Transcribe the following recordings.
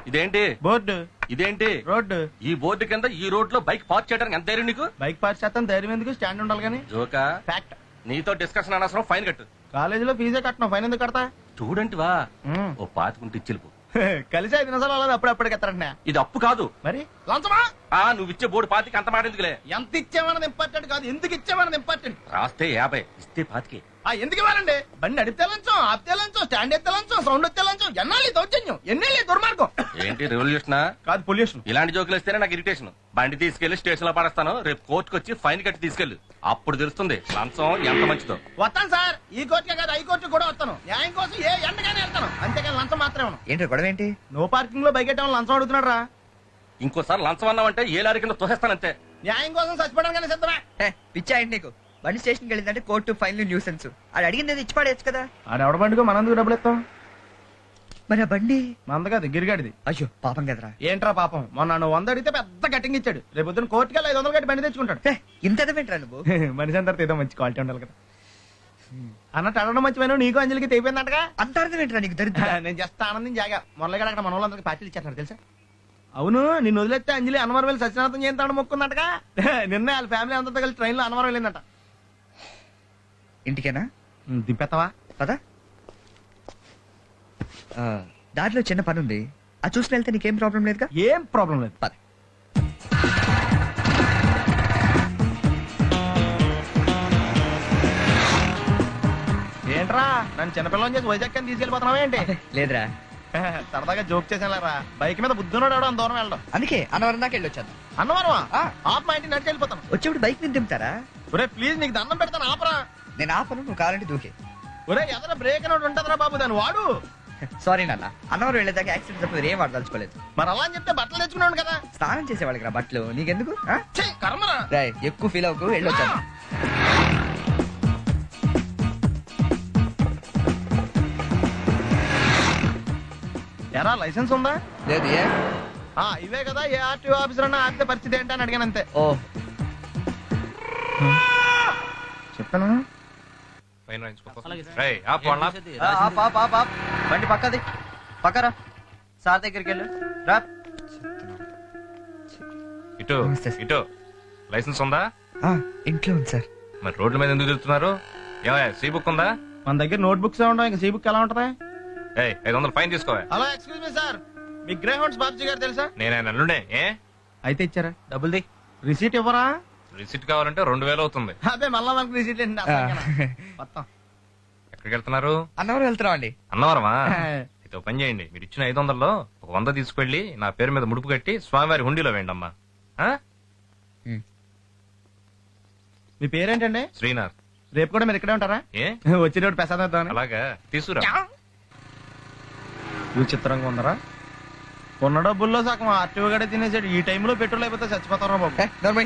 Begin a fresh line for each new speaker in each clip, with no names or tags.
ఇదేంటి
బోర్డు,
ఇదేంటి
రోడ్డు.
ఈ బోర్డు కింద ఈ రోడ్ లో బైక్ పార్క్ చేయడానికి ఎంత ధైర్యం నీకు?
బైక్ పార్క్ చేస్తాను, ధైర్యం ఎందుకు? స్టాండ్ ఉండాలి కానీ.
జోకా?
ఫ్యాక్ట్.
నీతో డిస్కషన్ అనవసరం, ఫైన్ కట్టు.
కాలేజీలో ఫీజే కట్టను, ఫైన్ ఎందుకు కడతా?
స్టూడెంట్ వా, ఓ పాతికుంటే ఇచ్చిల్పు.
కలిసి 5 నిమిషాలు అలా అప్పుడప్పుడు ఎత్తారంట.
ఇది అప్పు కాదు
మరి లంచమా?
నువ్వు ఇచ్చే బోర్డు పాతికి అంత మాట ఎందుకులే.
ఎంత ఇచ్చామన్నది ఇంపార్టెంట్ కాదు, ఎందుకు ఇచ్చామన్నది ఇంపార్టెంట్.
రాస్తే 50, ఇస్తే 25.
ఎందుకు ఇవ్వాలండి? బండి నడిపితే లంచం, ఆపితే లంచం, స్టాండ్ ఎత్తే లంచం, సౌండ్ ఎత్తే లంచం. ఎన్నాళ్ళు దౌర్జన్యం, ఎన్నేళ్ళు దుర్మార్గం.
ఏంటి రెవల్యూషనా?
కాదు, పొల్యూషన్.
ఇలాంటి జోకులు ఇస్తేనే నాకు ఇరిటేషన్. బండి తీసుకెళ్లి స్టేషన్ లో పడేస్తాను, రేపు కోర్టుకు వచ్చి ఫైన్ కట్టి తీసుకెళ్లు. అప్పుడు తెలుస్తుంది లంచం ఎంత మంచిదో.
వస్తాను సార్, ఈ కోర్టుకే కాదు హైకోర్టు కూడా వస్తాను. న్యాయం కోసం ఏ ఎండగానే వెళ్తాను, అంతేకాని లంచం మాత్రమే.
ఏంటి గొడవ ఏంటి?
నో పార్కింగ్ లో బైక్ ఎట్టడం లంచం అడుగుతున్నాడు రా.
ఇంకోసారి లంచం అన్నావంటే ఏ లారీ కింద తోసేస్తానంతే.
న్యాయం కోసం చచ్చిపోవడానికి సిద్ధమే.
పిచ్చా ఏంటి నీకు? బండి స్టేషన్కి వెళ్ళిందంటే కోర్టు, ఫైన్లు, న్యూసెన్స్. అది అడిగింది ఇచ్చి పడేయచ్చు కదా.
ఆడెవడ బండికో మనందుకు డబ్బులు ఇస్తాం.
మరి ఆ బండి
మంద కాదు, గిరిగాడిది.
అయ్యో పాపం కదరా.
ఏంట్రా పాపం? మొన్న నువ్వు 100 అడిగితే పెద్ద కటింగ్ ఇచ్చాడు. రేపు పొద్దున కోర్టుకి 500 కట్టి బండి తెచ్చుకుంటాడు.
ఇంత ఎదవేంట్రా నువ్వు?
మనిషి అందరితో ఏదో మంచి క్వాలిటీ ఉండాలి కదా అన్నట్టు అడగడం మంచిపోయినా నీకు అంజలికి తెగిపోయిందంటగా.
అంత అర్థమేంట్రా నీకు? దరిద్ర.
నేను జస్ట్ ఆనందం జాగా మొదలుగా అక్కడ మన వాళ్ళందరికీ పార్టీలు ఇచ్చేస్తున్నారు తెలుసా. అవును, నిన్ను వదిలేస్తే అంజలి అన్నవరం వెళ్ళి సత్యనాథం చేస్తాడు మొక్కుందటగా. నిన్న వాళ్ళ ఫ్యామిలీ అంతా కలిసి ట్రైన్ లో అన్నవరం వెళ్ళిందట.
ఇంటికేనా?
దింపెత్తవా?
పదా. దారిలో చిన్న పని ఉంది, అది చూసి వెళ్తే నీకేం ప్రాబ్లం లేదుగా?
ఏం ప్రాబ్లం లేదు,
పద.
ఏంట్రా నన్ను చిన్నపిల్లని చేసి వైజాగ్ అని తీసుకెళ్ళిపోతున్నావా ఏంటి?
లేదురా,
సరదాగా జోక్ చేసానులేరా. బైక్ మీద బుద్ధున్నాడు ఎవడో అంత దూరం వెళ్ళడం.
అందుకే అన్నవరం దాకా వెళ్ళొచ్చాను.
అన్నవరమా? ఆప్ మా ఇంటికి నడిచి వెళ్ళిపోతాను.
వచ్చేప్పుడు బైక్ మీద దింపుతారా?
ఒరే ప్లీజ్, నీకు దండం పెడతాను, ఆపరా.
నేను ఆపను, నువ్వు కావాలంటే దూకే.
ఒరే ఎదర బ్రేక్ అని ఉంటదిరా బాబు, దాన్ని వాడు.
సారీ నాన్న, అన్నవరం వెళ్ళేదాకా యాక్సిడెంట్ తప్ప ఏం వాడదలుచుకోలేదు.
మరి అలా అని చెప్తే బట్టలు తెచ్చుకున్నాను కదా.
స్నానం చేసేవాళ్ళకి రా బట్టలు, నీకెందుకు?
కర్మరా.
ఎక్కువ ఫీల్ అవ్వకు, వెళ్ళొచ్చాను.
ఎరా లైసెన్స్ ఉందా?
లేదు. ఏ
ఇవే కదా, ఏ ఆర్టీఓ ఆఫీసర్ అన్నా ఆపితే పరిస్థితి ఏంటి అని అడిగాను అంతే.
ఓ
చెప్పాను.
బండి పక్కది, పక్కరా. సార్ దగ్గరికి వెళ్ళు రా.
ఇటు ఇటు. లైసెన్స్ ఉందా?
ఇంట్లో ఉంది సార్.
మరి రోడ్ల మీద ఎందుకు తిరుగుతున్నారు? ఏమయ్యా, సీ బుక్ ఉందా?
మన దగ్గర నోట్ బుక్స్ ఉండవు, ఇంకా సీ బుక్ ఎలా ఉంటది?
500 ఫైన్ తీసుకోవా.
హలో, ఎక్స్క్యూజ్ మీ సార్, మీ గ్రే హౌండ్స్ బాబ్జీ గారు తెలుసా?
నేనే నల్లుండే.
అయితే ఇచ్చారా?
డబ్బుల్ది.
రిసీట్ ఇవ్వరా?
రిసిట్ కావాలంటే 2000 అవుతుంది.
అదే మళ్ళా మనకు రిసీట్ ఏంటి మొత్తం.
ఎక్కడికి వెళ్తున్నారు?
అన్నవరం వెళ్తున్నాం అండి.
అన్నవరమా? అయితే ఒక పని చేయండి, మీరు ఇచ్చిన 500లో ఒక 100 తీసుకెళ్లి నా పేరు మీద ముడుపు కట్టి స్వామివారి హుండీలో వేయండి అమ్మా.
మీ పేరేంటండి?
శ్రీనాథ్.
రేపు కూడా మీరు ఇక్కడే ఉంటారా? వచ్చినప్పుడు ప్రసాదం ఇద్దామని.
అలాగా, తీసుకురా.
విచిత్రంగా ఉందరా. ఉన్న డబ్బుల్లో సగం ఆర్టీఓ గడే తినేసాడు. ఈ టైంలో పెట్రోల్ అయిపోతే చచ్చిపోతారా బాబు.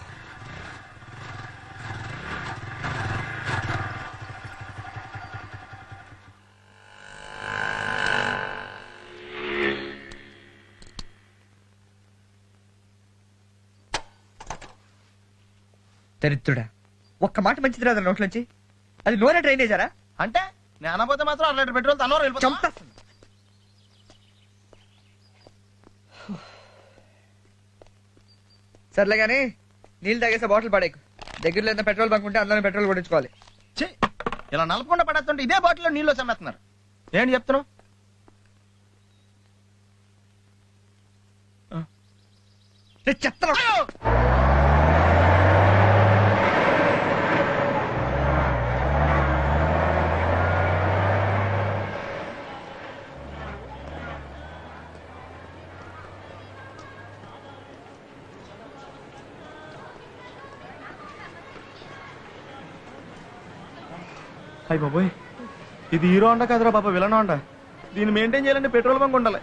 దరిద్రుడా, ఒక్క మాట మంచిది రాదు నోట్లోంచి. అది నూనె డ్రైనేజారా?
అంటే నేను అనపోతే మాత్రం 2 లీటర్ పెట్రోల్ తనలో వెళ్ళిపోతాం.
సర్లే గానీ నీళ్ళు తాగేసే బాటిల్ పడేకు. దగ్గరలో ఏదైనా పెట్రోల్ బంక్ ఉంటే అందులోనే పెట్రోల్ కొట్టించుకోవాలి.
ఇలా నలపకుండా పడేస్తుంటే ఇదే బాటిల్లో నీళ్ళు చమ్మేస్తున్నారు. ఏంటి చెప్తున్నావు?
చెప్తాను.
అయ్యి బాబోయ్, ఇది హీరో హోండా కదరా బాబా, విలన్ హోండా. దీన్ని మెయింటైన్ చేయాలంటే పెట్రోల్ బంక్ ఉండాలి.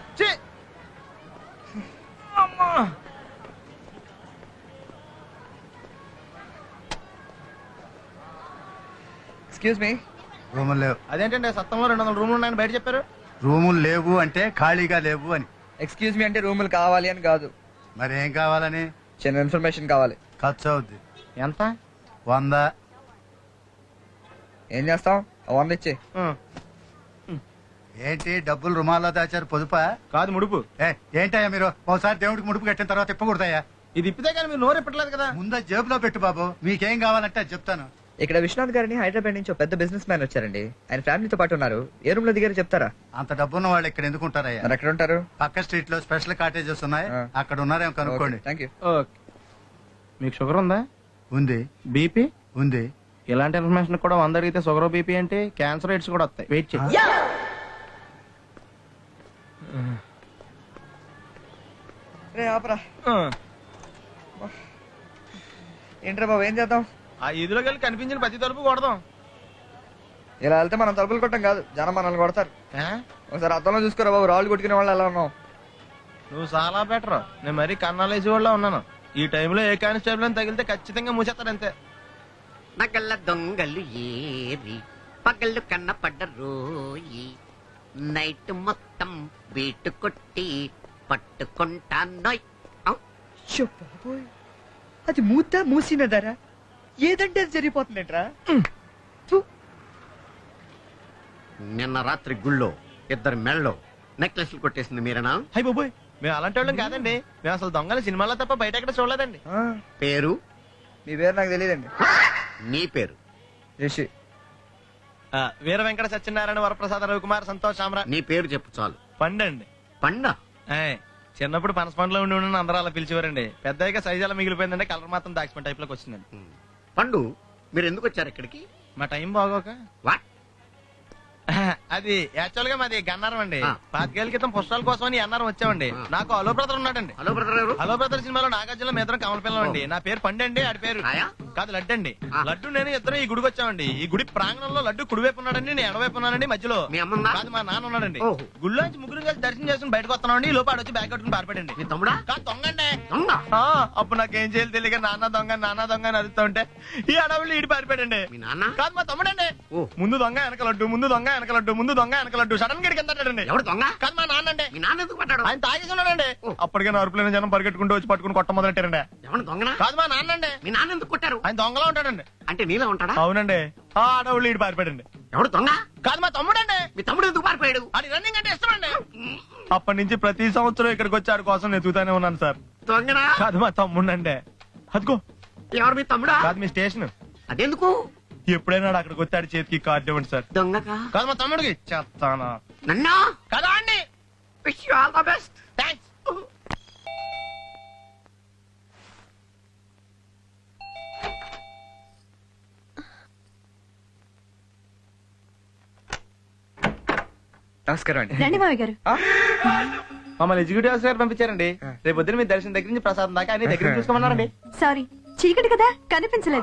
Excuse me.
రూములు లేవు.
అదేంటండి సత్తంలో 200 రూములు ఉన్నాయని బయట చెప్పారు.
రూములు లేవు అంటే ఖాళీగా లేవు అని.
ఎక్స్క్యూజ్ మీ అంటే రూములు కావాలి అని కాదు.
మరి ఏం కావాలని?
చిన్న ఇన్ఫర్మేషన్ కావాలి.
ఖర్చు అవుద్ది.
ఎంత?
100.
ఏం చేస్తాం? 100 ఇచ్చి.
ఏంటి డబ్బులు రుమాల్లో దాచారు పొదుపా?
కాదు ముడుపు.
ఏంటయ్యా మీరు ఒకసారి దేవుడికి ముడుపు కట్టిన తర్వాత ఇప్పకూడదయ్యా.
ఇది ఇప్పితే కానీ మీరు నోరు ఇప్పట్లేదు కదా.
ముందు జేబులో పెట్టు బాబు, మీకేం కావాలంటే అది చెప్తాను.
ఇక్కడ విశ్వనాథ్ గారిని హైదరాబాద్ నుంచి ఒక పెద్ద బిజినెస్ మ్యాన్ వచ్చారండి. ఆయన ఫ్యామిలీతో పాటు ఉన్నారు. ఏ రూమ్ లో దిగారు చెప్తారా?
అంత డబ్బున్న వాళ్ళు ఇక్కడ ఎందుకు ఉంటారయ్యా?
మరి ఎక్కడ ఉంటారు?
పక్క స్ట్రీట్ లో స్పెషల్ కాటేజెస్ ఉన్నాయి,
ఆ.
అక్కడ ఉన్నారేమో కనుక్కోండి.
Thank you.
ఓకే. మీకు షుగర్ ఉందా?
ఉంది
బీపీ?
ఉంది.
ఇలాంటి ఇన్ఫర్మేషన్ కూడా 100 అడిగితే షుగర్ బీపీ అంటే క్యాన్సర్ రేట్స్ కూడా వస్తాయి. వెయిట్ చేయి.
రే ఆపరా. ఏంట్రా బాబు, ఏం చేద్దాం?
ఆ ఈదులోకి వెళ్ళి కనిపించిన ప్రతి తలుపు కొడదాం.
ఇలా వెళ్తే మనం తలుపులు కొట్టం కాదు, జనం మనల్ని కొడతారు.
ఆ?
ఒకసారి అర్థంలో చూసుకోరా బాబు, రాళ్ళు కొట్టుకునే వాళ్ళు ఎలా ఉన్నాం.
నువ్వు చాలా బెటర్. నేను మరీ కన్నాలేసి వాళ్ళ ఉన్నాను. ఈ టైంలో ఏ కానిస్టేబుల్ అని తగిలితే ఖచ్చితంగా మూసేస్తాడు అంతే.
నగల దొంగలు ఏరి పగళ్ళు కన్నపడ్డ రోయి నైట్ మొత్తం బీటు కొట్టి పట్టుకుంటానోయ్.
షో బాబోయ్, అది మూసిన ధర ఏదంటే అది జరిగిపోతుందేంట్రా.
నిన్న రాత్రి గుళ్ళో ఇద్దరు మెళ్ళలో నెక్లెస్లు కొట్టేసింది మీరేనా?
హై బాబోయ్, మేము అలాంటి వాళ్ళం కాదండి. మేము అసలు దొంగలు సినిమాలో తప్ప బయట ఎక్కడ చూడలేదండి.
పేరు?
మీ పేరు నాకు తెలియదండి.
నీ పేరు?
రిషి.
వీర వెంకట సత్యనారాయణ వరప్రసాద రవికుమార్ సంతోష్ సామ్రా.
నీ పేరు చెప్పు చాలు.
పండండి.
పండ?
చిన్నప్పుడు పనస పండులో ఉండి అందరూ అలా పిలిచేవారండి. పెద్దగా సైజ్ అలా మిగిలిపోయిందంటే కలర్ మాత్రం దాచిపోయిన టైప్ లోకి వచ్చిందండి.
పండు, మీరు ఎందుకు వచ్చారు ఇక్కడికి?
మా టైం బాగోక.
వాట్?
అది యాక్చువల్ గా మాది గన్నారం అండి.
ఆ.
5 ఏళ్ల క్రితం పుష్పాల కోసం అని అన్నారం వచ్చామండి.
ఆ.
నాకు హలో బ్రదర్ ఉన్నాడండి.
హలో బ్రదర్ ఎవరు?
హలో బ్రదర్ సినిమాలో నాగార్జున మీ ఇద్దరం కమల పిల్లం అండి. నా పేరు పండండి, ఆడి పేరు
రాయా?
కాదు లడ్డు అండి.
ఆ.
లడ్డు నేను ఇద్దరం ఈ గుడికి వచ్చామండి. ఈ గుడి ప్రాంగణంలో లడ్డు కుడివైపు ఉన్నాడండి, నేను ఎడవైపు ఉన్నానండి. మధ్యలో
మీ అమ్మ
కాదు మా నాన్న ఉన్నాడండి.
ఓహో.
గుళ్ళో నుంచి ముగ్గురు కలిసి దర్శనం చేసుకుని బయటకు వస్తున్నామండి. ఈ లోపు ఆడొచ్చి బ్యాగ్ కట్టుకుని పారిపోయాడండి.
మీ తమ్ముడా?
కాదు దొంగండి.
దొంగ?
అప్పుడు నాకేం చేయాలి తెలియక నాన్న దొంగ అని అరుస్తూ ఉంటే ఈ అడవులు ఈడి పారిపోయాడండి.
మీ నాన్న?
కాదు మా తమ్ముడండి.
ఓ.
ముందు దొంగ వెనక లడ్డు, ముందు దొంగ వెనక లడ్డు, ముందు దొంగ వెనక లడ్డు. సడన్ గా కిందండి.
ఎవరు దొంగ?
కాదు మా నాన్న అండి.
మీ నాన్న ఎందుకు పడ్డాడు?
ఆయన తాగేసి ఉన్నాడండి.
ఓ.
అప్పటికే అరుపులైన జనం పరిగెట్టుకుంటూ వచ్చి పట్టుకుని కొట్ట మొదలెట్టారండి.
ఎవరు దొంగనా?
కాదు మా నాన్న అండి.
మీ నాన్న ఎందుకు కొట్టారు?
ఆయన దొంగలా ఉంటాడండి.
అంటే నీలా ఉంటాడా?
అవునండి. ఆ అడవులు ఈడి పారిపోయాడండి.
ఎవడు దొంగ?
కాదు మా తమ్ముడండి.
మీ తమ్ముడు ఎందుకు పారిపోయాడు?
అది రన్నింగ్ అంటే ఇష్టం అండి. అప్పటి నుంచి ప్రతి సంవత్సరం ఇక్కడికి వచ్చి ఆడి కోసం ఎదుగుతానే ఉన్నాను సార్.
దొంగనా?
కాదు మా తమ్ముడండి. అదిగో.
ఎవరు మీ తమ్ముడా?
కాదు మీ స్టేషన్.
అదెందుకు?
ఎప్పుడైనా అక్కడికి వచ్చి ఆడి చేతికి కార్డు ఇవ్వండి సార్.
దొంగకా?
కాదు మా తమ్ముడికి చెప్తానా.
నన్నా?
కదా అండి.
Wish you all the best.
Thanks.
నమస్కారం అండి.
రండి మావి గారు.
మమ్మల్ని ఎగ్జిక్యూటివ్ ఆఫీసర్ గారు పంపించారండి. రేపు పొద్దున మీ దర్శనం దగ్గర నుంచి ప్రసాదం దాకా అన్ని దగ్గర చూసుకోమన్నారండి.
సారీ, చీకటి కదా కనిపించలేదు.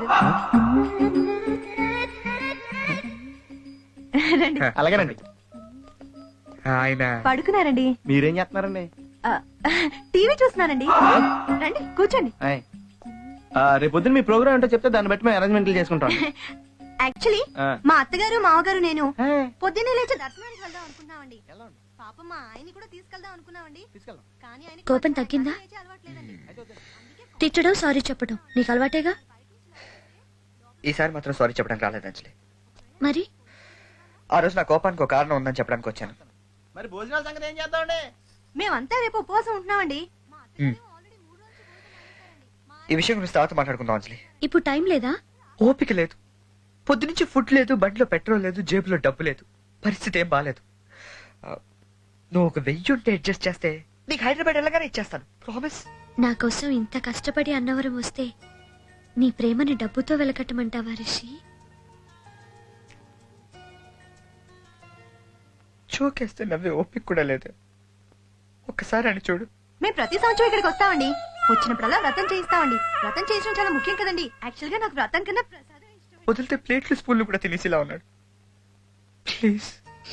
రండి.
అలాగేనండి.
ఆయన
పడుకున్నారండి.
మీరేం చేస్తున్నారండి?
ఆ, టీవీ చూస్తున్నానండి. రండి కూర్చోండి.
ఆయ్. రేపు పొద్దున మీ ప్రోగ్రామ్ ఏంటో చెప్తే దాన్ని బట్టి మేము అరేంజ్మెంట్లు చేసుకుంటాం.
యాక్చువల్లీ
ఆ.
మా అత్తగారు మామగారు నేను
ఆయ్.
పొద్దున్నే లేచి దర్శనానికి వెళ్దాం అనుకున్నామండి. పాపం మా ఆయన్ని కూడా తీసుకెళ్దాం అనుకున్నామండి. కానీ ఆయనకి
కోపం తగ్గిందా?
లేచే అలవాట్లేదండి.
తిట్టడం సారీ చెప్పడం నీకు అలవాటేగా.
ఈసారి మాత్రం సారీ చెప్పడానికి రాలేదు అంజలి.
మరి
ఆ రోజు నా కోపానికి ఒక కారణం ఉందని చెప్పడానికి వచ్చాను.
మరి భోజనాల సంగతి ఏం చేద్దామండి?
మేమంతా రేపు ఉపవాసం ఉంటున్నామండి.
ఈ విషయం గురించి తర్వాత మాట్లాడుకుందాం అంజలి.
ఇప్పుడు టైం లేదా?
ఓపిక లేదు. పొద్దునుంచి ఫుడ్ లేదు, బండిలో పెట్రోల్ లేదు, జేబులో డబ్బు లేదు. పరిస్థితి ఏం బాలేదు. నువ్వు ఒక 1000 ఉంటే అడ్జస్ట్ చేస్తే నీకు హైదరాబాద్ వెళ్ళగానే ఇచ్చేస్తాను. ప్రామిస్.
నా కోసం ఇంత కష్టపడి అన్నవరం వస్తే నీ ప్రేమని డబ్బుతో వెలకట్టమంటావా రిషి?
చోకేస్తే నవ్వే ఓపిక కూడా లేదు. ఒక్కసారి అని చూడు.
మేము ప్రతి సంవత్సరం ఇక్కడికి వస్తామండి. వచ్చినప్పుడల్లా వ్రతం చేయిస్తామండి. వ్రతం చేయించడం చాలా ముఖ్యం కదండి. యాక్చువల్ గా నాకు వ్రతం కన్నా ప్రసాదం ఇష్టం.
వదిలితే ప్లేట్లు స్పూన్లు కూడా తినేసిలా ఉన్నాడు. ప్లీజ్.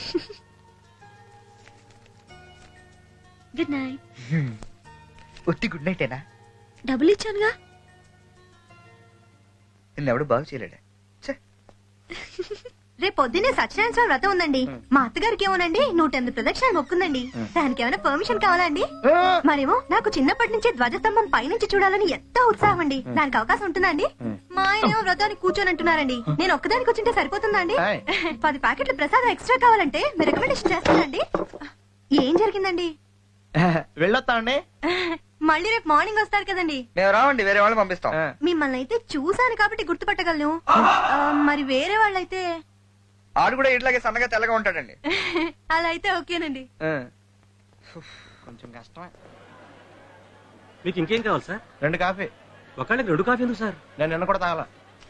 Good night.
ఒత్తి గుడ్ నైటేనా?
డబ్బులు ఇచ్చానుగా.
నిన్నెవడు బాగు చేయలేడా?
రేపు పొద్దున్నే సత్యనారాయణ స్వామి వ్రతం ఉందండి. మా అత్తగారికి ఏమోనండి 108 ప్రదక్షిణాలు మొక్కుందండి. దానికి ఏమైనా పర్మిషన్ కావాలా అండి? మరేమో నాకు చిన్నప్పటి నుంచి ధ్వజస్తంభం పైనుంచి చూడాలని ఎంతో ఉత్సాహం అండి. దానికి అవకాశం ఉంటుందా అండి? మా ఆయన ఏమో వ్రతానికి కూర్చొని అంటున్నారండి. నేను ఒక్కదానికి కూర్చుంటే సరిపోతుందా అండి? 10 ప్యాకెట్ల ప్రసాదం ఎక్స్ట్రా కావాలంటే మీరు రికమెండేషన్ చేస్తానండి. ఏం జరిగిందండి?
వెళ్ళొస్తా అండి.
మళ్ళీ రేపు మార్నింగ్ వస్తారు కదండి.
మేము రావండి, వేరే వాళ్ళు పంపిస్తాం.
మిమ్మల్ని అయితే చూసాను కాబట్టి గుర్తుపట్టగలను. మరి వేరే వాళ్ళైతే
ఆడు కూడా ఇట్లాగే సన్నగా తెల్లగా ఉంటాడండి.
అలా అయితే ఓకేనండి.
కొంచెం కష్టమే.
మీకు ఇంకేం కావాలి సార్?
2 కాఫీ.
ఒకళ్ళకి 2 కాఫీ ఎందుకు సార్?
నేను నిన్న కూడా తాగల.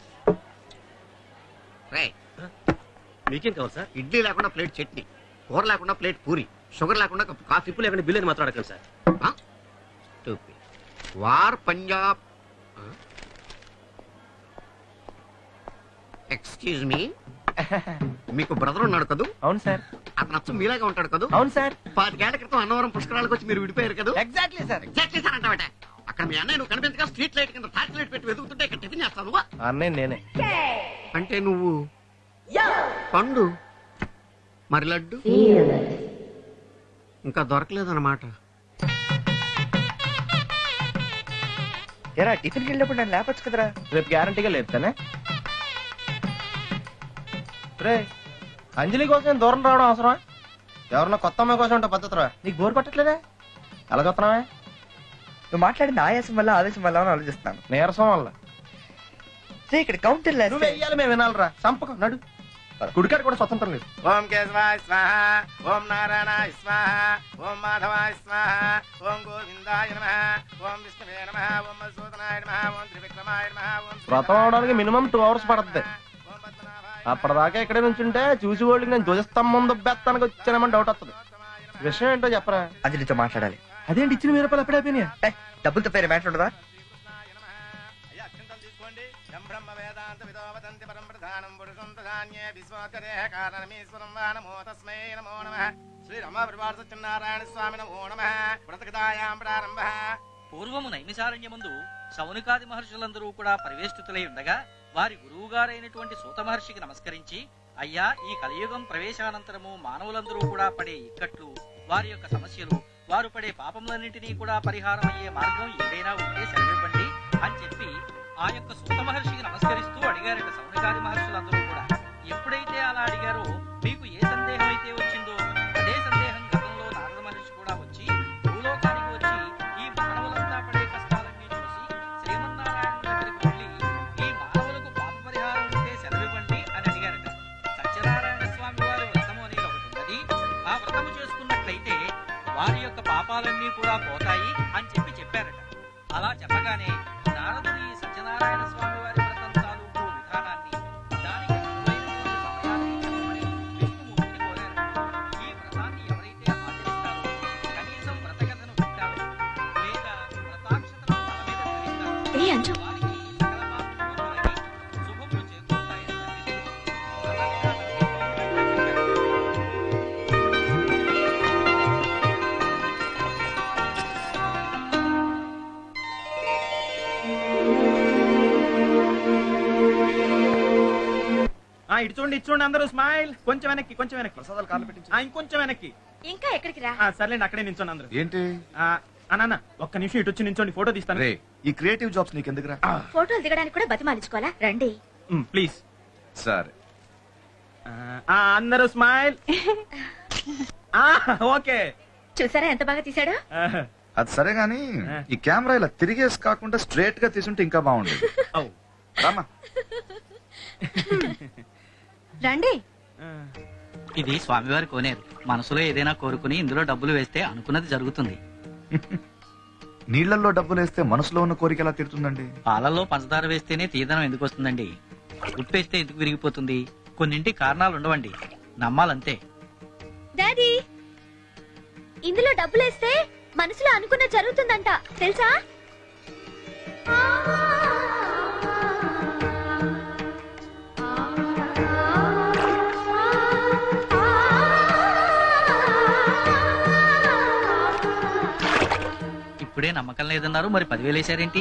రేయ్,
మీకేం కావాలి సార్?
ఇడ్లీ లేకుండా ప్లేట్ చట్నీ, కూర లేకుండా ప్లేట్ పూరి, షుగర్ లేకుండా కప్పు కాఫీ.
ఇప్పుడు లేకుండా బిల్లు అని మాట్లాడకండి సార్.
వార్ పంజాబ్. ఎక్స్క్యూజ్ మీ, మీకు బ్రదర్ ఉన్నాడు కదూ?
అవును సార్.
అతను అచ్చం మీలాగా ఉంటాడు కదూ?
అవును సార్.
5 ఏళ్ల క్రితం అన్నవరం పుష్కరాలకు వచ్చి మీరు విడిపోయారు కదా?
Exactly sir.
ఎగ్జాక్ట్లీ సార్ అంటావట. అక్కడ మీ అన్నయ్య నువ్వు కనిపించగా స్ట్రీట్ లైట్ కింద టార్చ్ లైట్ పెట్టి వెతుకుతుంటే ఇక్కడ టిఫిన్ చేస్తావు నువ్వా?
అన్నయ్య నేనే.
అంటే నువ్వు పండు, మరి లడ్డు ఇంకా దొరకలేదన్నమాట.
ఎరా టిఫిన్కి వెళ్ళినప్పుడు నన్ను లేపచ్చు కదరా.
రేపు గ్యారంటీగా లేపుతానే. రే, అంజలి కోసం నేను దూరం రావడం అవసరమా? ఎవరన్నా కొత్త అమ్మాయి కోసం ఉంటే పద్ధతిరా. నీకు బోర్ కొట్టట్లేదే? ఎలా చూస్తున్నావే?
నువ్వు మాట్లాడిన ఆయాసం వల్ల ఆవేశం వల్ల అని ఆలోచిస్తున్నాను.
నీరసం వల్ల.
ఇక్కడ కౌంటర్
నువ్వు వెయ్యాలి, మేము వినాలిరా. సంపకం నడు. కుడికాడు కూడా స్వతంత్రం లేదు.
ఓం కేశవాయ స్వాహ, ఓం నారాయణాయ స్వాహ, ఓం మాధవాయ స్వాహ, ఓం గోవిందాయ నమః, ఓం విష్ణువే నమః, ఓం మధుసూదనాయ నమః, ఓం త్రివిక్రమాయ నమః, ఓం
వ్రతం అవడానికి మినిమం 2 hours పడుతుంది. అప్పటిదాకా ఇక్కడే నుంచుంటే చూసి వాళ్ళకి నేను ధ్వజస్తంభం దుబ్బెత్తానికి వచ్చానేమని డౌట్ వస్తుంది. విషయం ఏంటో చెప్పరా.
అంజలితో మాట్లాడాలి.
అదేంటి ఇచ్చిన 1000 రూపాయలు ఎప్పుడు అయిపోయినాయా?
డబ్బులతో పేరు మ్యాటర్ ఉండదా?
బ్రహ్మ వేదాంత విదో వదంతి పరం ప్రధానం పురుషం ప్రధాన్యే విశ్వోత్తరేః కారణమీశ్వరం వా నమో తస్మై నమో నమః. శ్రీరామ పరివార సత్యనారాయణ స్వామి నమో నమః. వ్రతకథాయాం ప్రారంభః.
పూర్వము నైమిసారణ్యమందు శౌనకాది మహర్షులందరూ కూడా పరివేష్టితులై ఉండగా వారి గురువు గారైనటువంటి సూత మహర్షికి నమస్కరించి, అయ్యా, ఈ కలియుగం ప్రవేశానంతరము మానవులందరూ కూడా పడే ఇక్కట్లు, వారి యొక్క సమస్యలు, వారు పడే పాపములన్నింటినీ కూడా పరిహారం అయ్యే మార్గం ఏదైనా ఉంటే సెలవివ్వండి అని చెప్పి ఆ యొక్క సూత మహర్షికి నమస్కరిస్తూ అడిగారట శౌనకాది మహర్షులందరూ కూడా. ఎప్పుడైతే అలా అడిగారో మీకు ఏ సందేహం అయితే వచ్చిందో అదే సందేహం గతంలో నారద మహర్షి కూడా వచ్చి భూలోకానికి వచ్చి ఈ మానవులంతా పడే కష్టాలన్నీ చూసి శ్రీమన్నారాయణ దగ్గరికి వెళ్ళి ఈ మానవులకు పాప పరిహారం ఉంటే సెలవివ్వండి అని అడిగారట. సత్యనారాయణ స్వామి వారి వ్రతము అనేది ఒకటి ఉన్నది. ఆ వ్రతము చేసుకున్నట్లయితే వారి యొక్క పాపాలన్నీ కూడా పోతాయి అని చెప్పారట. అలా చెప్పగానే నారదుడు ఈ సత్యనారాయణ స్వామి వారి వ్రతం తాలూకు విధానాన్ని, దానికి అనువైనటువంటి సమయాన్ని చెప్పమని విష్ణుమూర్తిని కోరారు. ఈ వ్రతాన్ని ఎవరైతే ఆచరిస్తారో, కనీసం వ్రతకథను వింటారో, లేదా వ్రతాక్షతను తల మీద ధరిస్తారో, వారికి సకల పాపములు తొలగి శుభములు చేకూరుతాయని చెప్పారు.
ఇటు చూడండి, ఇటు చూడండి అందరూ. స్మైల్. కొంచెం వెనక్కి, కొంచెం వెనక్కి. ప్రసాదాలు కాళ్ళు పెట్టించు. ఇంకొంచెం వెనక్కి.
ఇంకా ఎక్కడికి రా?
సర్లేండి, అక్కడే నించోండి అందరూ.
ఏంటి
అన్న ఒక్క నిమిషం ఇటు వచ్చి నించోండి, ఫోటో తీస్తాను.
ఈ క్రియేటివ్ జాబ్స్ నీకు ఎందుకురా?
ఫోటోలు దిగడానికి కూడా బతిమాలించుకోవాలా? రండి.
ప్లీజ్.
సరే,
అందరూ స్మైల్. ఓకే.
చూసారా ఎంత బాగా తీసాడో?
అది సరే గాని ఈ కెమెరా ఇలా తిరిగేసి కాకుండా స్ట్రైట్ గా తీసుంటే ఇంకా బాగుండేది. రామా.
రండి.
ఇది స్వామివారి కోనేరు. మనసులో ఏదైనా కోరుకుని ఇందులో డబ్బులు వేస్తే అనుకున్నది జరుగుతుంది.
నీళ్లలో డబ్బులు వేస్తే మనసులో ఉన్న కోరిక ఎలా తీరుతుందండి?
పాలల్లో పంచదార వేస్తేనే తీదనం ఎందుకు వస్తుందండి? ఉప్పేస్తే ఎందుకు విరిగిపోతుంది? కొన్నింటి కారణాలు ఉండవండి, నమ్మాలంతే.
డాడీ, ఇందులో డబ్బులేస్తే మనసులో అనుకున్న జరుగుతుందంట, తెలుసా?
ఇప్పుడే నమ్మకం లేదన్నారు, మరి 10,000 వేశారేంటి?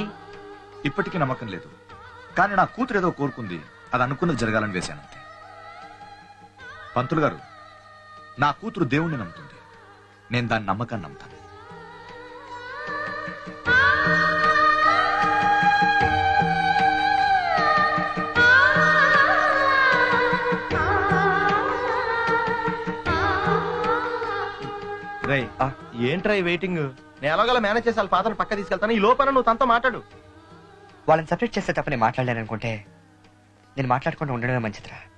ఇప్పటికీ నమ్మకం లేదు, కానీ నా కూతురు ఏదో కోరుకుంది, అది అనుకున్నది జరగాలని వేశానంతే. పంతులు గారు, నా కూతురు దేవుణ్ణి నమ్ముతుంది. నేను దాని నమ్మకాన్ని నమ్ముతాను.
రై ఏంట్రై వెయిటింగ్? నేను ఎలాగోలా మేనేజ్ చేసి వాళ్ళ ఫాదర్ పక్క తీసుకెళ్తాను. ఈ లోపల నువ్వు తనతో మాట్లాడు.
వాళ్ళని సపరేట్ చేస్తే తప్ప నేను మాట్లాడలేను అనుకుంటే నేను మాట్లాడకుండా ఉండడమే మంచిదిరా.